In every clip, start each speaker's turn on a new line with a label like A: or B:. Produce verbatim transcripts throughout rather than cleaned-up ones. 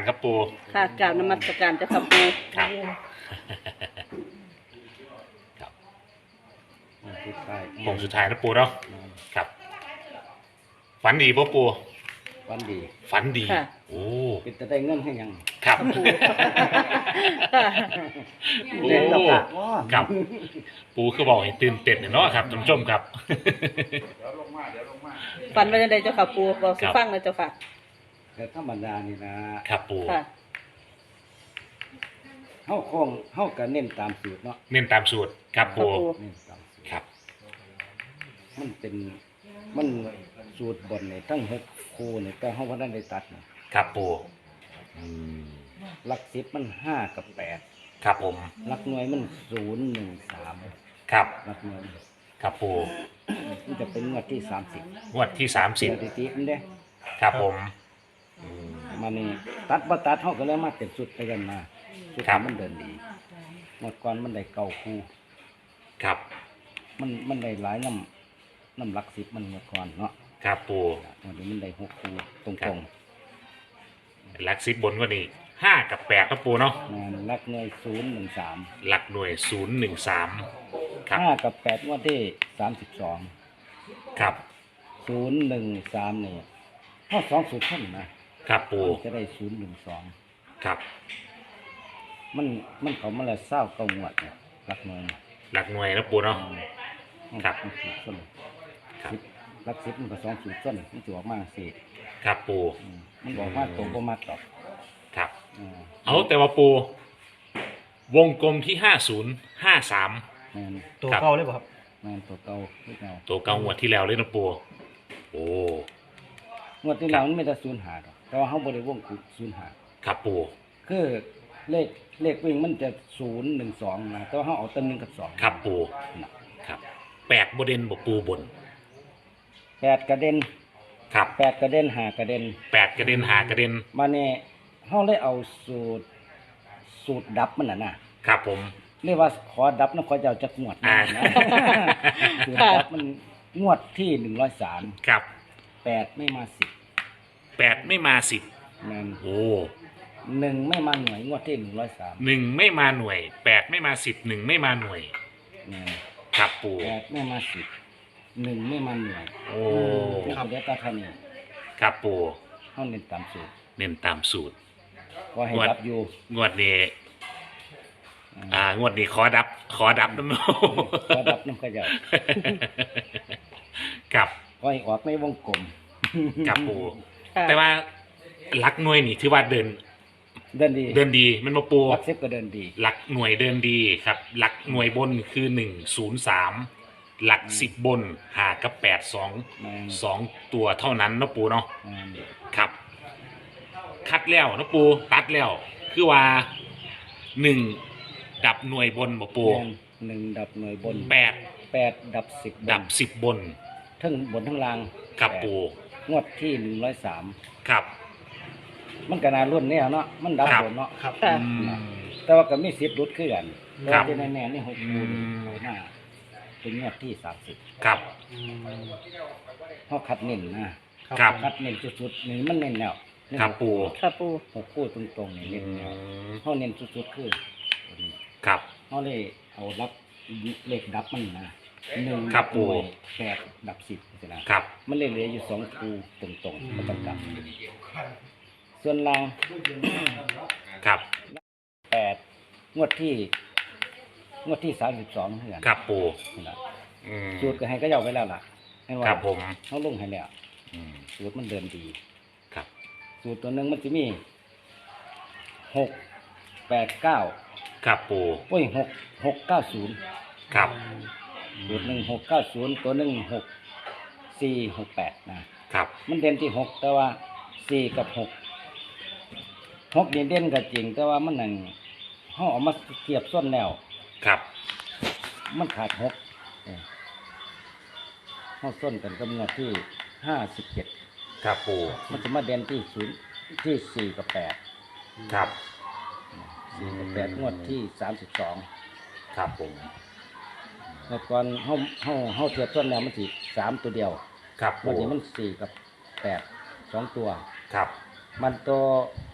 A: ครับปู
B: ค่ะกราบนมัสการเจ้าค่ะปู
A: ครับครับ
C: สุดท้าย
A: ผงสุดท้ายนะปูเนาะครับฝันดีป่ะปู
C: วันดี
A: ฝันดี
B: ค่ะ
A: โอ้
C: เป็นจะได้เงินให้ยัง
A: ครับ
B: ปู
A: โอ้
C: เล่นกับปากว่า
A: ครับปูคือบอกให้ตื่นเต้นเนาะครับท่านผู้ชมครับ
B: ฝันไว้ในใดเจ้าค่ะปูบอกสิฟังเลยเจ้าค่ะ
C: แต่ธรรมดานี่นะครับ
A: ปู
B: ค่ะ
C: เฮาคงเฮาก็เน้นตามสูตรเนาะ
A: เน้นตามสูตรครับปู
B: ครับปู
C: เน้นตามสูตร
A: ครับ
C: มันเป็นมันสูตรบนนี่ทั้งหกคู่นี่แต่เฮาบ่ได้ได้ตัดนะครับ
A: ปูอืม
C: หลักสิบมันห้ากับแปด
A: ครับผม
C: หลักหน่วยมันศูนย์หนึ่งสาม
A: ครับ
C: หลักหน่วย
A: ครับปู
C: มันจะเป็นงวดที่สามสิบ
A: งวดที่สามสิบ
C: สถิติมันเด้
A: ครับผมอืม
C: มานี่ตัดบ่ตัดเฮาก็เลยมาเต็มสุดไปกันมาสุด
A: ครับ
C: มันเดินดีงวดก่อนมันได้เก้าคู่
A: ครับ
C: มันมันได้หลายน้ำน้ำหลักสิบมันเมื่อก่อนเนาะ
A: ครับปู
C: วันนี้มันได้หกคู่ตรง
A: ครั
C: ตร
A: บ
C: ง
A: หลักสิบบนกว่านี้ห้ากับแปดครับปูเนาะ
C: งานหลักหน่วยศูนย์หนึ่งสาม
A: หลักหน่วยศูนย์หนึ่งสามครับ
C: ห้ากับแปดงว่าที่สามสิบสอง
A: ครับ
C: ศูนย์หนึ่งสามนี่ถ้าสองสูตรเท่านั้นนะครับ
A: ปู
C: มันจะได้ศูนย์หนึ่งสอง
A: ครับ
C: มันมันเขามาแล้วเศร้าเก้างวดเนี่ยหลักหน่วย
A: หลักหน่วยนะปูเนาะ ครับ
C: มันสูตรส้น
A: ครับ
C: สิบหลักสิบมันก็สองสูตรส้นมันจะออกมาสี่
A: ครับปู
C: อืมมันบอกว่าตรงประมาณหรอก
A: ครับ
C: อ่า
A: เอาแต่ว่าปู วงกลมที่ห้าศูนย์ห้าสาม
C: แม่น
D: ตัว
A: ครับ
D: เก่าเลยป่ะครับ
C: แม่นตัวเก่าตัวเก่า
A: ตัวเก่างวดที่แล้วเลยนะปูโอ้
C: งวดที่แล้วมันไม่ได้ศูนย์หาดอกแต่ว่าเขาบริวงศูนย์หา
A: ครับปู
C: คือเลขเลขวิ่งมันจะศูนย์หนึ่งสองนะแต่ว่าเขาเอาตัวหนึ่งกับสอง
A: ครับปู
C: นะครับ
A: แปดบเดนบปูบน
C: แปดกระเด็น
A: ครับ
C: แปดกระเด็นหากระเด็น
A: แปดกระเด็นหากระเด็น
C: มาเนี่ยเขาเลยเอาสูตรสูตรดับมันน่ะนะครับ
A: ผม
C: เรียกว่าขอดับนะขอจะเอาจากงวดนะ
A: อ่า
C: นะ สูตรดับมันงวดที่หนึ่งร้อยสาม
A: ครับ
C: แปดไม่มาสิบ
A: แปดไม่มาสิบ
C: นั่น
A: โอ้
C: หนึ่งไม่มาหน่วยงวดที่หนึ่งร้อยสาม
A: หนึ่งไม่มาหน่วยแปดไม่มาสิบหนึ่งไม่มาหน่วย
C: นั่น
A: ครับปู
C: แปดไม่มาสิบหนึ่งไม่มาหน่วย
A: โอ้
C: นี่คือเดียวกับท่านนี่
A: ครับปู
C: เขาเน้นตามสูตร
A: เน้นตามสูตร
C: ก็ให้
A: งวด
C: รับอยู่
A: งวดนี้ อ่างวดนี้ขอดับ ขอดับน้ำโน
C: ก็รับน้ำขยะ
A: กับ
C: ก็ให้ออกในวงกลม
A: กับปู
B: ค่ะ
A: แต่ว่าหลักหน่วยนี่ถือว่าเดิน
C: เดินดี
A: เดินดีมันมาปู
C: รักเซ็ตก็เดินดี
A: หลักหน่วยเดินดีครับ หลักหน่วยบนคือหนึ่งศูนย์สามหลักสิบบนหากับแปดสอง
C: แม่น
A: สองตัวเท่านั้นเนาะปูเนาะ
C: แม่น
A: ครับ คัดแล้วเนาะปูตัดแล้ว คือว่าหนึ่งดับหน่วยบนบ่ปู
C: แม่นหนึ่งดับหน่วยบน
A: แปด
C: แปดดับสิบ
A: ดับสิบบน
C: ทั้งบนทั้งล่าง
A: ครับ
C: แปด
A: ปู
C: งวดที่หนึ่งร้อยสาม
A: ครับ
C: มันก็นารุ่นเนี่ยเนาะมันดับบ
A: ครับ
C: บนเนาะ
D: ครับ
B: ค่ะ
A: อืม
C: แต่ว่าก็มีสิบรุดขึ้นกัน
A: ครั
C: แต่
A: บ
C: ที่แน่ๆนี่หกคูณ
A: อืม
C: หน้าเป็นงวดที่สามสิบ
A: ครับ
D: อืม
C: เขาคัดเน้นนะครับ คัดเน้นสุดๆนี่มันเน้นแล้วเน้น
A: ครับปู
B: ค่ะปู
C: หกคู่ตรงๆนี่
A: อื
C: เน้นแล้ว
A: ม
C: เขาเน้นสุดๆคือตัวนี้
A: ครับ
C: เขาเลยเอารับเลขดับมันนะหนึ่ง
A: ครับ
C: หน่วย
A: ปู่
C: แปดดับสิบนะครับ มันเลยเหลืออยู่สองคูตรงๆไม่ต้องกลับส่วนล่าง
A: ครับ
C: แปดงวดที่ งวดที่สามสิบสองเท่านั้น
A: ครับปู
C: นั่นล่ะ
A: อืม
C: สูตรก็ให้ก็ยาวไปแล้วล่ะให้ว่า
A: ครับผม
C: เขาลงให้แล้ว
A: อืม
C: สูตรมันเดินดี
A: ครับ
C: สูตรตัวหนึ่งมันจะมีหกแปดเก้า
A: ครับปู
C: โอ้ยหกหกเก้าศูนย์
A: ครับ
C: สูตรหนึ่งหกเก้าศูนย์ตัวหนึ่งหกสี่หกแปดนะครับ มันเด่นที่หกแต่ว่าสี่กับหกหกนี่เด่นก็จริง แต่ว่ามันหนึ่งห้องออกมาเทียบส้นแล้ว
A: ครับ
C: มันขาดหกห้องส้นกันกับงวดที่ห้าสิบเจ็ด
A: ครับปู
C: มันจะมาเด่นที่ศูนย์ที่สี่กับแปด
A: ครับ
C: สี่กับแปดงวดที่สามสิบสอง
A: ครับผม
C: เมื่อก่อนห้องห้องห้องเทียบส้นแล้วมันสี่สามตัวเดียว
A: ครับ
C: วัน
A: ปู
C: นี้มันสี่กับแปดสองตัว
A: ครับ
C: มันตัว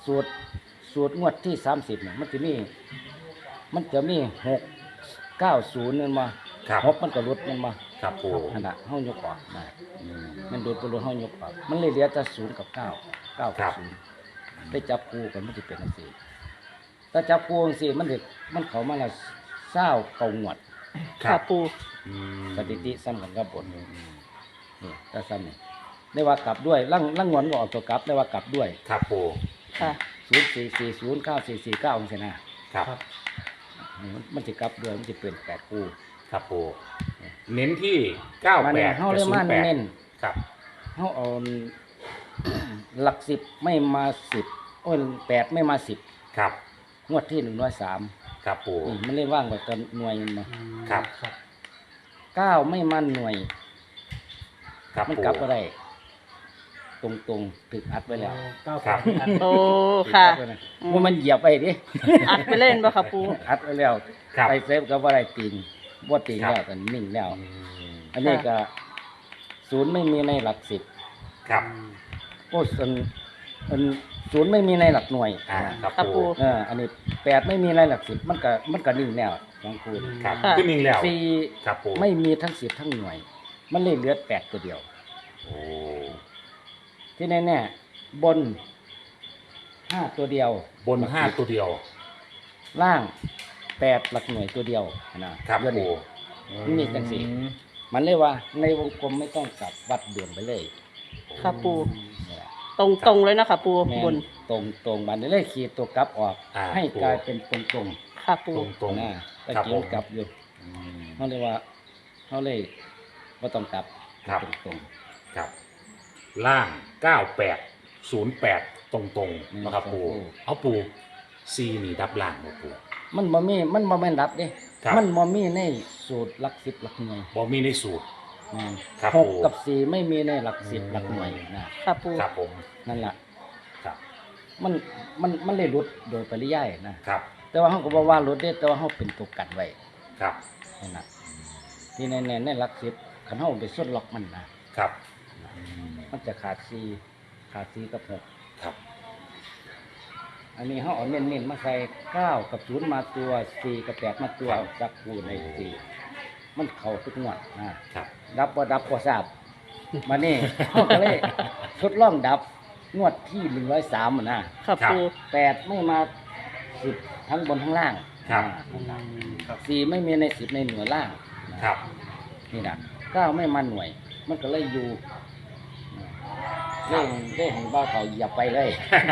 C: สูตรสูตรงวดที่สามสิบเนี่ยมันจะมีมันจะมีหกเก้าศูนย์นั่นมา
A: ครับ
C: หกมันก็ลดมันมา
A: ครับปู
C: ขนาดเฮายกออกนะมันโดนตัวลดเฮายกออกมันเลยเหลือแต่ศูนย์กับเก้าเก้ากับศูนย์ได้จับคู่กันมันจะเป็นอันสี่ถ้าจับคู่อันสี่มันเด็กมันเขามาละเศร้าเก่างวด
B: ค่ะปู
A: อืม
C: สถิติซ้ำกันกับบนนี่ก็ซ้ำนี่ได้ว่ากลับด้วยลั่งลั่งงวนก็ออกตัวกลับได้ว่ากลับด้วย
A: ครับปู
B: ค่ะ
C: ศูนย์สี่สี่ศูนย์เก้าสี่สี่เก้าองศานะครับ มันมันจะกลับด้วยมันจะเป็นแปดคู่
A: ครับปูเน้นที่เก้า
C: มัน
A: แปด
C: เฮา
A: กับ
C: เลย
A: ศูน
C: มา
A: ย์แปด
C: เน้น
A: ครับ
C: เฮาเอา หลักสิบไม่มาสิบโอ้ยแปดไม่มาสิบ
A: ครับ
C: งวดที่หนึ่งร้อยสาม
A: ครับปู
C: มันเลยว่างกว่ากันหน่วยมันมา
A: ครับ
C: เก้าไม่มาหน่วย
A: ครับ
C: มัน
A: ปู
C: กลับก็ได้ ตรงตรงๆถึกอัดไว้แล้ว
A: ครับ
B: โอ้ค่ะ
C: ถึกอัดไว้นะว่ามันเหยียบไปดิ
B: อัดไปเล่นบ่ค่ะปู
C: อัดไว้แล้ว
A: ครับ
C: ไปเซฟก็ว่าได้ตีนว่าตีน
A: ครับ
C: แล้วแต่นิ่งแล้ว
A: อืม
C: อันนี้ก็ศูนย์ไม่มีในหลักสิบ
A: ครับ
C: โอ้ส่วนอันศูนย์ไม่มีในหลักหน่วย
A: อ่าครับ
B: ครับปู
A: ปู
C: เอออันนี้แปดไม่มีในหลักสิบมันก็มันก็นิ่งแล้วสองคูณ
A: ครับ
B: ค่ะ
A: ขึ้นนิ่งแล้ว
C: สี่
A: ครับปู
C: ไม่มีทั้งสิบทั้งหน่วย มันเลยเหลือแปดตัวเดียว
A: โอ้
C: ที่แน่ๆบนห้าตัวเดียว
A: บนห้าตัวเดียว
C: ล่างแปดหลักหน่วยตัวเดียวนะครับ เดี๋ยว
A: ปู
C: นี้ นี่จังสิ มันเลยว่าในวงกลมไม่ต้องกลับวัดด่วนไปเลย
B: ค่ะปู
C: นี่แหละ
B: ตรงตรงๆเลยนะคะปู
C: แม่
B: บน
C: นตรงตรงมันเลยขีดตัวกลับออก
A: อ่า
C: ให้กลายเป็นตรงตรง
B: ค่ะปู
A: ตรงตรง
C: ๆนะตะ
A: ครับ
C: กี้
A: ผ
C: มั
A: ม
C: นกลับอยู่
A: อืม
C: เขาเลยว่าเขาเลยว่าต้องกลับ
A: ครับ
C: ตรงตรง
A: ครับ ล่างเก้าแปดศูนย์แปดตรงตรงๆนะครับปูเอาปูซีนี่ดับล่างบ่ปู
C: ๆมันบ่มีมันบ่แม่นดับเด้
A: ครับ
C: มันบ่มีในสูตรหลักสิบหลักหน่วย
A: บ่มีในสูตร
C: อืม
A: ครับ
C: หก
A: ผม
C: กับสี่ไม่มีในหลักสิบหลักหน่วยนะ
B: ค่ะปู
A: ครับผม
C: นั่นแหละ
A: ครับ
C: มันมันมันเลยหลุดโดยปริยายนะครับ แต่ว่าเขาก็บอกว่าหลุดได้แต่ว่าเขาเป็นตัวกันไว้
A: ครับ
C: นั่นแหละที่แน่ๆในหลักสิบขันเขาไปสุดล็อกมันนะครับ
A: อืม
C: มันจะขาดสี่ขาดสี่กับหก
A: ครับ
C: อันนี้เขาเอาเน้นๆมาใส่เก้ากับศูนย์มาตัวสี่กับแปดมาตัวจับคูในสี่มันเข่าทุกงวดนะครับ ดับว่าดับก็ทราบมานี่ เขาก็เลยทดลองดับงวดที่หนึ่งร้อยสามนะ
B: ค่ะปู
C: แปดไม่มาสิบทั้งบนทั้งล่าง
A: ครับ
C: อ่าสี่ไม่มีในสิบในหน่วยล่าง
A: ครับ
C: นี่นะเก้าไม่มาหน่วย มันก็เลยอยู่เร่งเร่งบ้าเขาอย่าไปเลย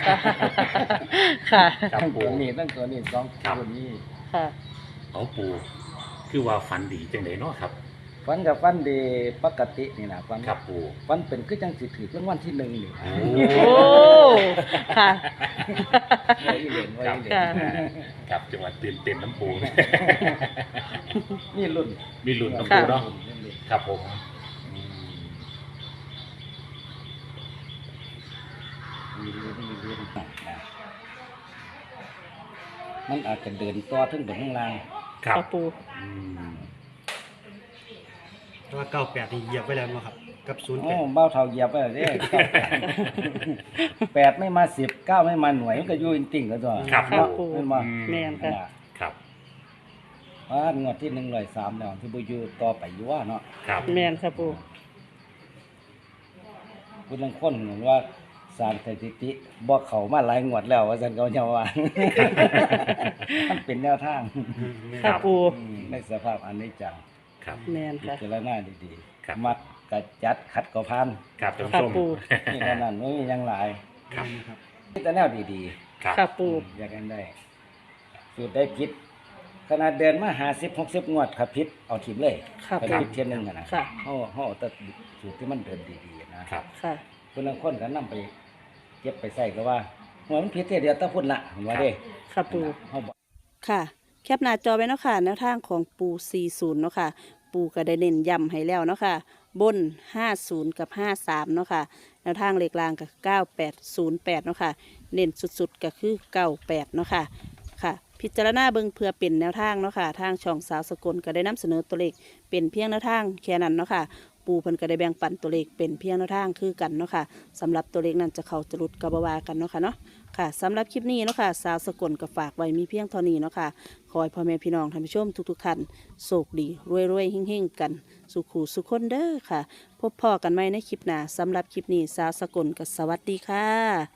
B: ค่ะ
A: ครับ
C: ทั้ง
A: ปู
C: ตัวนี้ทั้งตัวนี้สอง
A: ครับ
C: ตัวนี้
B: ค่ะ
A: เอาปูคือว่าฝันดีจังไดเนาะครับ
C: ฟันกับฟันดีปกตินี่นะฟัน
A: ครับปู
C: ฟันเป็นคือจังสิถือรางวัลที่หนึ่งนี่
A: โอ้
B: โอ้ ค่ะ
C: ไว้เหรียญไว้เหรียญ
B: ค่ะ
A: ครับจังหวัดตื่นเต้นน้ำปู
C: นี่รุ่น
A: มีลุ้นน้ำปูเนาะ
C: รุ่น
A: ครับผมอืม
C: มีรุ่นมีรุ่นนะมันอาจจะเดินต่อถึงบนข้างล่าง
A: ครับ
B: ค่ะปู
A: อืม
D: แต่ว่าเก้าแปดนี่เหยียบไว้แล้วเนาะครับ กับศูนย์แป
C: โอ้
D: ด
C: เบ้าเท่าเหยียบไปเลยเด้ แปดไม่มาสิบเก้าไม่มาหน่วยมันก็อยู่จริงๆก็ตัว
A: ครับ
B: ครับ
A: ปู
B: ปู
C: ไม่มา
A: อื
B: แม่นค่ะ
A: ครับ
C: ว่างวดที่หนึ่งร้อยสามแล้วที่บุยูต่อไปอยู่ว่าเนาะ
A: ครับ
B: แม่นค่ะปู
C: คุณลังค้นเหมือนว่าสารสถิติบอกเขามาหลายงวดแล้วว่าสันเขาจะว่า มันเป็นแนวทาง
B: ค่ะปู
C: อืมในสภาพอันนี้จัง
A: ครับ
B: แม่น
C: พิ
B: ค่ะ
C: จารณาดี
A: ครับ
C: ๆมัดกระจัดขัดกระพัน
A: ครับท่าน
B: ค่ะ
A: ผู้ชม
B: ปู
C: นี่เท่านั้นไม่มีหยังหลาย
A: ครับ
D: ครับ
C: นี่แต่แนวดี
A: ครับ
B: ค่ะปู
C: ๆอยากกันได้สูตรได้พิษขนาดเดินมาหาสิบหกสิบงวดขับพิษเอาทิมเลย
B: ค่ะ
C: ไป
B: ปู
C: พิษเทียนหนึ่งอะนะ
B: ค่ะ
C: เขาเขาเอาแต่สูตรที่มันเดินดีๆนะครับ
B: ค่ะ
C: คนลังคนกันนำไปเก็บไปใส่ก็ว่าหัวมันพิษเท่ยเดียวแตะพุ่นละผมว่าเด้
B: ค่ะปู
C: เขาบอก
B: ค่ะ แคปหน้าจอไว้เนาะค่ะแนวทางของปู สี่สิบ เนาะค่ะ ปูก็ได้เน้นย้ำให้แล้วเนาะค่ะ บน ห้าสิบ กับ ห้าสิบสาม เนาะค่ะ แนวทางเลขล่างก็เก้าแปดศูนย์แปด เนาะค่ะ เน้นสุดๆก็คือเก้าแปด เนาะค่ะ ค่ะ พิจารณาเบิ่งเพื่อเป็นแนวทางเนาะค่ะ ทางช่องสาวสกลก็ได้นำเสนอตัวเลขเป็นเพียงแนวทางแค่นั้นเนาะค่ะ โปปูเพิ่นก็ได้แบ่งปันตัวเลขเป็นเพียงแนวทางคือกันเนาะค่ะสำหรับตัวเลขนั้นจะเข้าจะหลุดกระบวากันเนาะค่ะเนาะค่ะสำหรับคลิปนี้เนาะค่ะสาวสกลก็ฝากไว้มีเพียงเท่านี้เนาะค่ะขอให้พ่อแม่พี่น้องท่านผู้ชมทุกๆท่านโชคดีรวยๆเฮงๆกันสุขูสุขคนเด้อค่ะพบพ่อกันใหม่ในคลิปหน้าสำหรับคลิปนี้สาวสกลก็สวัสดีค่ะ